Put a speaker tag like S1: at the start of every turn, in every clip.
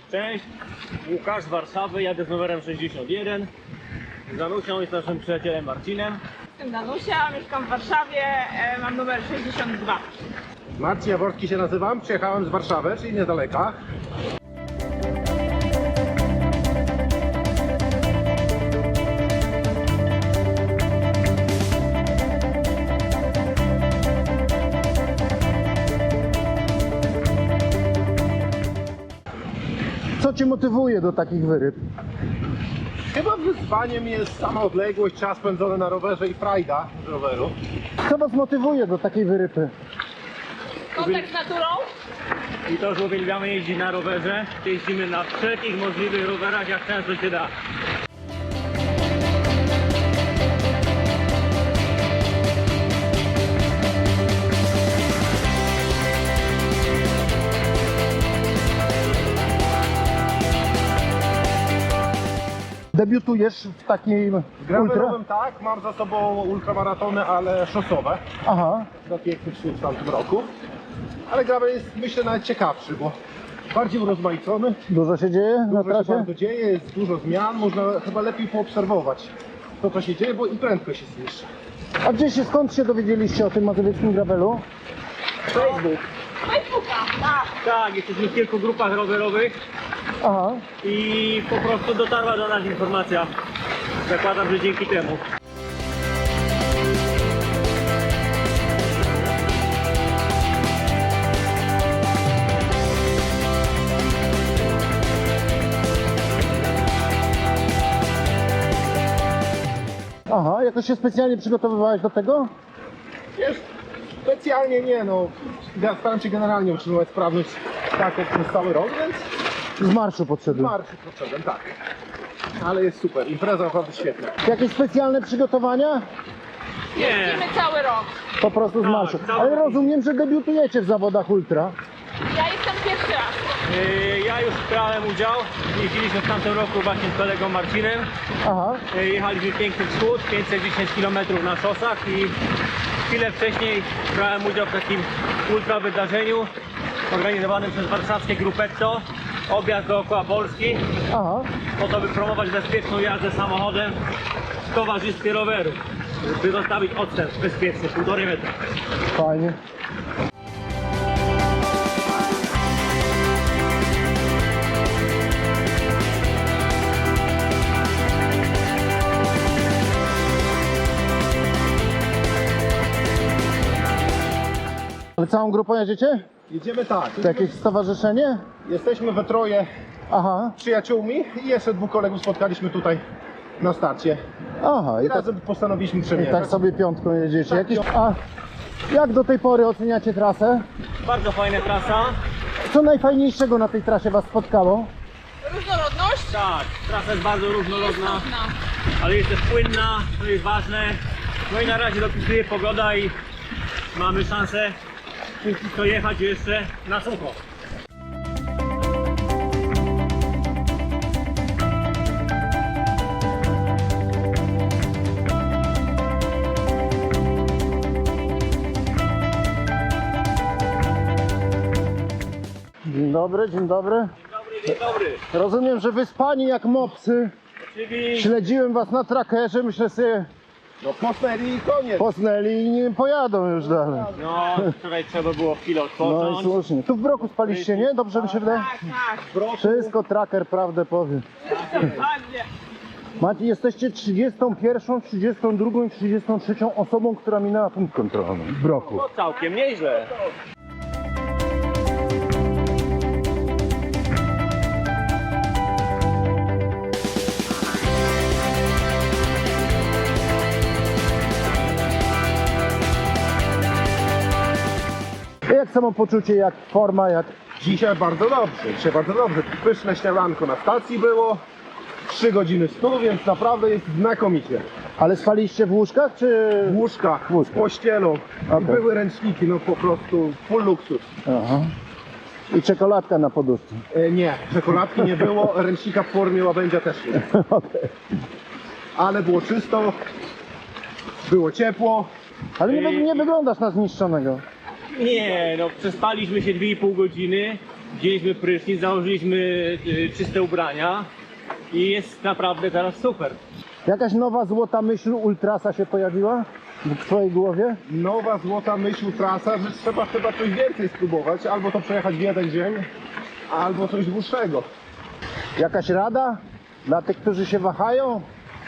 S1: Cześć, Łukasz z Warszawy, jadę z numerem 61. Z Danusią i z naszym przyjacielem Marcinem.
S2: Jestem Danusia, mieszkam w Warszawie, mam numer 62.
S3: Marcin Jaworski się nazywam, przyjechałem z Warszawy, czyli niedaleka.
S4: Co Cię motywuje do takich wyryb?
S3: Chyba wyzwaniem jest sama odległość, czas spędzony na rowerze i frajda z roweru.
S4: Co Was motywuje do takiej wyrypy?
S2: Kontakt z naturą?
S1: I to, że uwielbiamy jeździć na rowerze. Jeździmy na wszelkich możliwych rowerach, jak często się da.
S4: Debiutujesz w takim ultra?
S3: Gravelowym tak, mam za sobą ultramaratony, ale szosowe.
S4: Aha,
S3: Do pięknych sztuk w tamtym roku. Ale gravel jest, myślę, nawet ciekawszy, bo bardziej urozmaicony.
S4: dużo się dzieje na
S3: Dużo się
S4: trasie?
S3: bardzo dzieje, jest dużo zmian, można chyba lepiej poobserwować to, co się dzieje, bo i prędkość jest niższa.
S4: A skąd się dowiedzieliście o tym mazowieckim gravelu?
S1: Facebook.
S2: Facebooka, tak.
S1: Tak, jesteśmy w kilku grupach rowerowych
S4: Aha,
S1: i po prostu dotarła do nas informacja. Zakładam, że dzięki temu.
S4: aha, jakoś się specjalnie przygotowywałeś do tego?
S3: Wiesz, specjalnie nie, no. Ja staram się generalnie utrzymywać sprawność tak jak przez cały rok, więc
S4: Z marszu podszedłem.
S3: marszy potrzebem, tak. Ale jest super, impreza naprawdę świetna.
S4: Jakieś specjalne przygotowania?
S1: Nie,
S2: Jeździmy cały rok.
S4: Po prostu z
S1: Tak,
S4: marszu.
S1: cały
S4: Ale
S1: rok.
S4: rozumiem, że debiutujecie w zawodach ultra.
S2: Ja jestem pierwszy raz.
S1: ja już brałem udział. Jeździliśmy w tamtym roku właśnie z kolegą Marcinem.
S4: Aha,
S1: Jechaliśmy Piękny Wschód, 510 km na szosach i chwilę wcześniej brałem udział w takim ultra wydarzeniu organizowanym przez warszawskie Grupetto. Objazd dookoła Polski,
S4: aha.
S1: po to by promować bezpieczną jazdę samochodem w towarzystwie roweru, by zostawić odstęp bezpieczny 1,5 metra.
S4: Fajnie. Ale całą grupą jedziecie?
S3: Jedziemy tak,
S4: To jakieś stowarzyszenie?
S3: jesteśmy we troje
S4: Aha,
S3: przyjaciółmi i jeszcze dwóch kolegów spotkaliśmy tutaj na starcie.
S4: aha.
S3: I
S4: I tak,
S3: razem postanowiliśmy
S4: i
S3: przemierzać.
S4: tak sobie piątką jedziecie.
S3: Tak,
S4: A jak do tej pory oceniacie trasę?
S1: Bardzo fajna trasa.
S4: Co najfajniejszego na tej trasie Was spotkało?
S2: Różnorodność?
S1: Tak, trasa jest bardzo różnorodna,
S2: Cudna.
S1: ale jest też płynna, to jest ważne. No i na razie dopisuje pogoda i mamy szansę to jechać jeszcze na sucho.
S4: Dzień dobry, dzień dobry.
S1: Dzień dobry.
S4: Rozumiem, że wyspani jak mopsy.
S1: Czyli
S4: Śledziłem Was na trackerze, myślę sobie,
S3: No posnęli i koniec.
S4: posnęli i nie pojadą już dalej.
S1: no, wczoraj trzeba było chwilę
S4: No i
S1: odpocząć.
S4: słusznie. Tu w Broku spaliście, nie? Dobrze mi się wydaje?
S2: Tak, tak.
S4: Wszystko tracker prawdę powie.
S2: Dokładnie.
S4: Macie, jesteście 31, 32 i 33 osobą, która minęła punkt kontrolny w Broku.
S1: No całkiem nieźle.
S4: Jak samopoczucie, jak forma, jak...
S3: Dzisiaj bardzo dobrze, Pyszne śniadanko na stacji było, 3 godziny snu, więc naprawdę jest znakomicie.
S4: Ale spaliście w łóżkach, czy...
S3: W łóżkach,
S4: Łóżka.
S3: pościelą,
S4: Okej.
S3: były ręczniki, no po prostu full luksus.
S4: Aha. I czekoladka na poduszce.
S3: Nie, czekoladki nie było, ręcznika w formie łabędzia też nie.
S4: Okej.
S3: Ale było czysto, było ciepło.
S4: Ale nie wyglądasz na zniszczonego.
S1: Nie, no przespaliśmy się 2,5 godziny. wzięliśmy prysznic, założyliśmy czyste ubrania i jest naprawdę teraz super.
S4: Jakaś nowa złota myśl ultrasa się pojawiła w twojej głowie?
S3: Nowa złota myśl trasa, że trzeba chyba coś więcej spróbować, albo to przejechać w jeden dzień, albo coś dłuższego.
S4: Jakaś rada dla tych, którzy się wahają?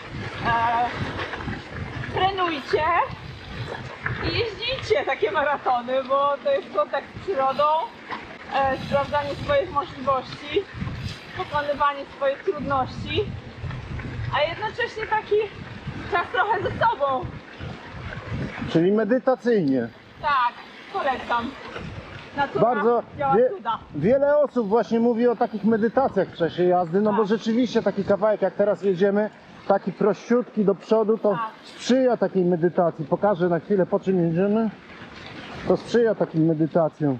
S2: Trenujcie i jeździcie takie maratony, bo to jest kontakt z przyrodą, sprawdzanie swoich możliwości, pokonywanie swoich trudności, a jednocześnie taki czas trochę ze sobą.
S4: Czyli medytacyjnie.
S2: Tak, polecam. Natura
S4: Bardzo
S2: działa cuda.
S4: wiele osób właśnie mówi o takich medytacjach w czasie jazdy, no bo
S2: Tak.
S4: rzeczywiście taki kawałek jak teraz jedziemy, taki prościutki do przodu, to
S2: Tak.
S4: sprzyja takiej medytacji. Pokażę na chwilę, po czym jedziemy. To sprzyja takim medytacjom.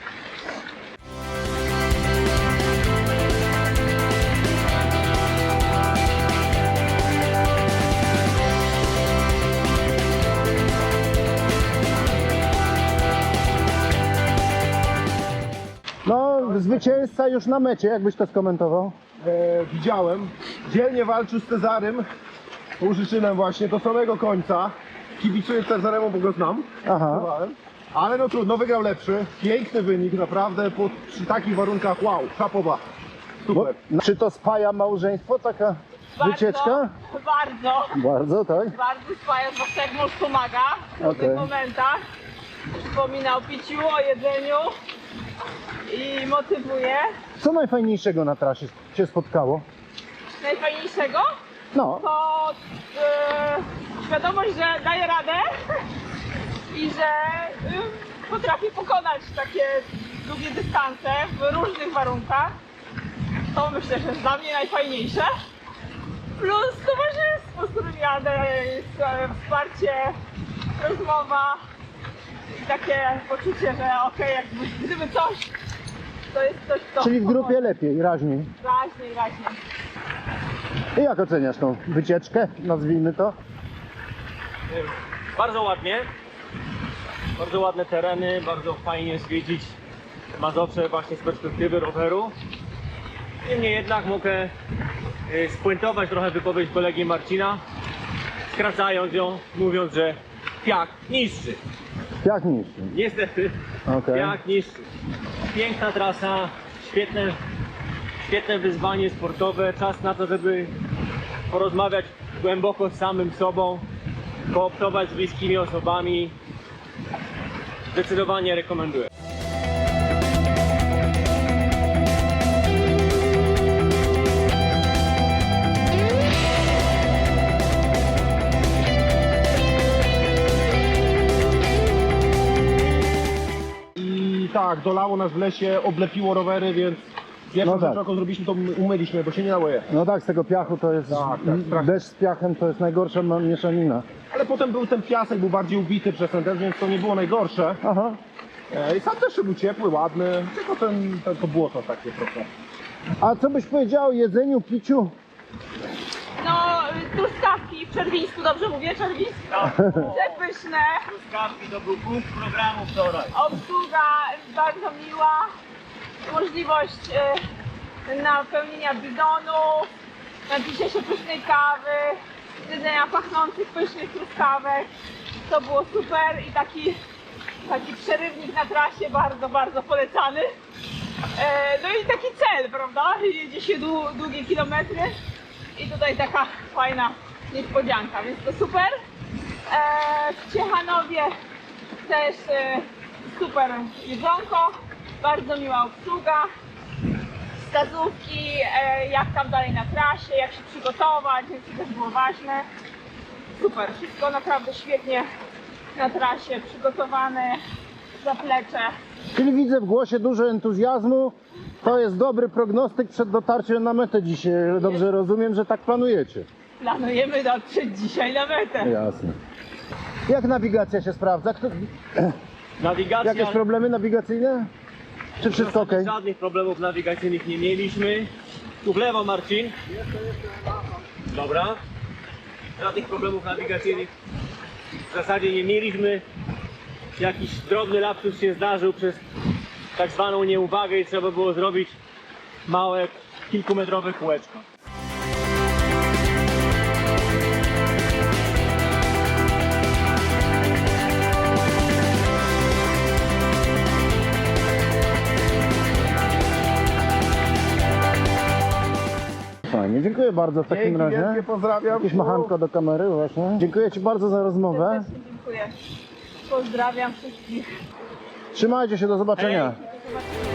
S4: No, zwycięzca już na mecie, jakbyś to skomentował?
S3: Widziałem, dzielnie walczył z Cezarym, Łużyszynem właśnie do samego końca. Kibicuję Cezaremu, bo go znam.
S4: Aha.
S3: Próbowałem. Ale no trudno, wygrał lepszy. Piękny wynik, naprawdę, przy takich warunkach, wow, szapoba.
S4: Bo,
S3: Super.
S4: czy to spaja małżeństwo, taka wycieczka?
S2: Bardzo,
S4: Bardzo, tak?
S2: bardzo spaja, zwłaszcza jak mąż pomaga w
S4: Okej.
S2: tych momentach. Przypomina o piciu, o jedzeniu i motywuje.
S4: Co najfajniejszego na trasie się spotkało?
S2: Najfajniejszego
S4: No,
S2: to świadomość, że daje radę i że potrafi pokonać takie długie dystanse w różnych warunkach. To myślę, że jest dla mnie najfajniejsze. Plus towarzystwo, z którym jadę, jest wsparcie, rozmowa i takie poczucie, że okej, gdyby coś, to jest coś, co
S4: czyli w grupie lepiej, raźniej.
S2: raźniej.
S4: I jak oceniasz tą wycieczkę, nazwijmy to?
S1: Bardzo ładnie, bardzo ładne tereny, bardzo fajnie zwiedzić Mazowsze właśnie z perspektywy roweru. Niemniej jednak mogę spuentować trochę wypowiedź kolegi Marcina, skracając ją, mówiąc, że piach niszczy.
S4: Jak niższy?
S1: Niestety,
S4: Okej.
S1: piach niszczy. Piękna trasa, świetne wyzwanie sportowe, czas na to, żeby porozmawiać głęboko z samym sobą, kooptować z bliskimi osobami. Zdecydowanie rekomenduję.
S3: I tak, dolało nas w lesie, oblepiło rowery, więc pierwszą
S4: No tak.
S3: rzecz, jaką zrobiliśmy, to umyliśmy, bo się nie dało je.
S4: No tak, z tego piachu to jest,
S3: Tak, strasznie.
S4: deszcz z piachem to jest najgorsza mieszanina.
S3: Ale potem był ten piasek, był bardziej ubity przez ten deszcz, więc to nie było najgorsze.
S4: Aha.
S3: I sam też był ciepły, ładny, tylko to błoto takie trochę.
S4: A co byś powiedział o jedzeniu, piciu?
S2: No, truskawki w Czerwińsku, dobrze mówię? Czerwińsku? Przepyszne.
S1: Truskawki to był punkt programu wczoraj.
S2: Obsługa bardzo miła. Możliwość napełnienia bidonu, napicia się pysznej kawy, jedzenia pachnących pysznych truskawek. To było super i taki przerywnik na trasie bardzo polecany. No i taki cel, prawda? Jedzie się długie kilometry i tutaj taka fajna niespodzianka, więc to super. W Ciechanowie też super jedzonko, bardzo miła obsługa, wskazówki, jak tam dalej na trasie, jak się przygotować, więc to też było ważne. Super, wszystko naprawdę świetnie na trasie, przygotowane, zaplecze.
S4: Czyli widzę w głosie dużo entuzjazmu. To jest dobry prognostyk przed dotarciem na metę dzisiaj. Dobrze rozumiem, że tak planujecie.
S2: Planujemy dotrzeć dzisiaj na metę.
S4: Jasne. Jak nawigacja się sprawdza?
S1: Nawigacja.
S4: Jakieś problemy nawigacyjne? Czy wszystko ok?
S1: Żadnych problemów nawigacyjnych nie mieliśmy. Tu w lewo, Marcin. Dobra. Żadnych problemów nawigacyjnych w zasadzie nie mieliśmy. Jakiś drobny lapsus się zdarzył przez tak zwaną nieuwagę i trzeba było zrobić małe, kilkumetrowe kółeczko.
S4: Fajnie, dziękuję bardzo w takim
S3: Dzięki
S4: razie.
S3: wielkie, pozdrawiam.
S4: Jakieś machanko do kamery właśnie. Dziękuję Ci bardzo za rozmowę.
S2: Serdecznie dziękuję. Pozdrawiam wszystkich.
S4: Trzymajcie się, do zobaczenia.
S1: Hej.
S2: Do zobaczenia.